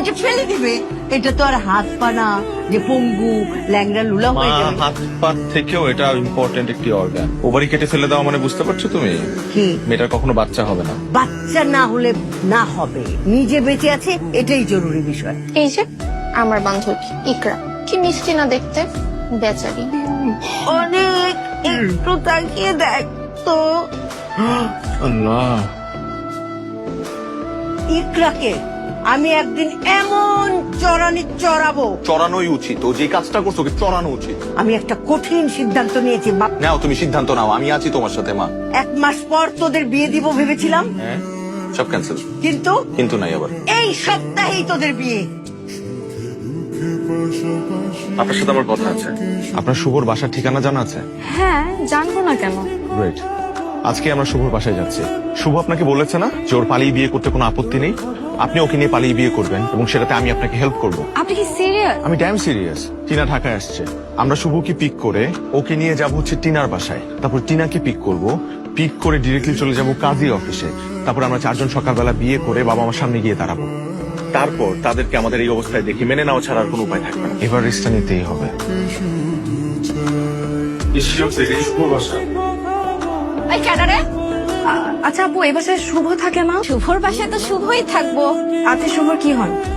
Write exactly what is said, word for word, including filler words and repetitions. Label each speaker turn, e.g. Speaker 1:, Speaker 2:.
Speaker 1: এটা ফেলে দিবে। এটা তো আর হাত পা না যে পঙ্গু ল্যাংড়া লুলা হয়ে
Speaker 2: মা,
Speaker 1: যাবে।
Speaker 2: হাত পা থেকেও এটা ইম্পর্টেন্ট একটি অর্গান। ওভারি কেটে ফেলে দেওয়া মানে বুঝতে পারছো তুমি?
Speaker 1: কি
Speaker 2: মেয়েটার কখনো বাচ্চা হবে না।
Speaker 1: বাচ্চা না হলে না হবে, নিজে বেঁচে আছে এটাই জরুরি বিষয়।
Speaker 3: এই যে আমার বান্ধবী ইকরা, কি মিষ্টি না দেখতে, বেচারি।
Speaker 1: অনেক একটু তাকিয়ে দেখ তো
Speaker 2: আল্লাহ,
Speaker 1: ইকরাকে আমি একদিন এমন চড়ানি চড়াবো,
Speaker 4: চড়ানোই উচিত। ও যে কাজটা করছো ওকে চড়ানো উচিত।
Speaker 1: আমি একটা কঠিন সিদ্ধান্ত নিয়েছি বাপ।
Speaker 4: নাও তুমি সিদ্ধান্ত নাও, আমি আছি তোমার সাথে মা।
Speaker 1: এক মাস পর তোদের বিয়ে দিব ভেবেছিলাম,
Speaker 4: হ্যাঁ, সব ক্যান্সেল।
Speaker 1: কিন্তু
Speaker 4: কিন্তু নাই আবার।
Speaker 1: এই সপ্তাহেই তোদের বিয়ে।
Speaker 2: আপনার সাথে আমার কথা আছে। আপনার শুভর বাসার ঠিকানা জানা আছে?
Speaker 3: হ্যাঁ, জানবো না কেন?
Speaker 2: গ্রেট। আজকে আমরা শুভর বাসায় যাচ্ছি। শুভ আপনাকে বলেছে না যে ওর পালিয়ে বিয়ে করতে কোনো আপত্তি নেই? আপনি ওকে নিয়ে পালিয়ে বিয়ে করবেন এবং সেটাতে আমি আপনাকে হেল্প করব।
Speaker 3: আপনি কি সিরিয়াস?
Speaker 2: আমি ড্যাম সিরিয়াস। টিনা ঢাকায় আসছে, আমরা শুভকে পিক করে ওকে নিয়ে যাব হচ্ছে টিনার বাসায়। তারপর টিনাকে পিক করব, পিক করে ডিরেক্টলি চলে যাব কাজী অফিসে। তারপর আমরা চারজন সকালবেলা বিয়ে করে বাবা আমার সামনে গিয়ে দাঁড়াবো। তারপর তাদেরকে আমাদের এই অবস্থায় দেখি মেনে নেওয়া ছাড়া আর কোনো উপায় থাকবে না। এবার রিস্কটা নিতেই হবে।
Speaker 3: এই ক্যাডারে? আচ্ছা আপু, এই বাসায় শুভ থাকে না? শুভর বাসায় তো শুভই থাকবো। আচ্ছা শুভর কি হয়?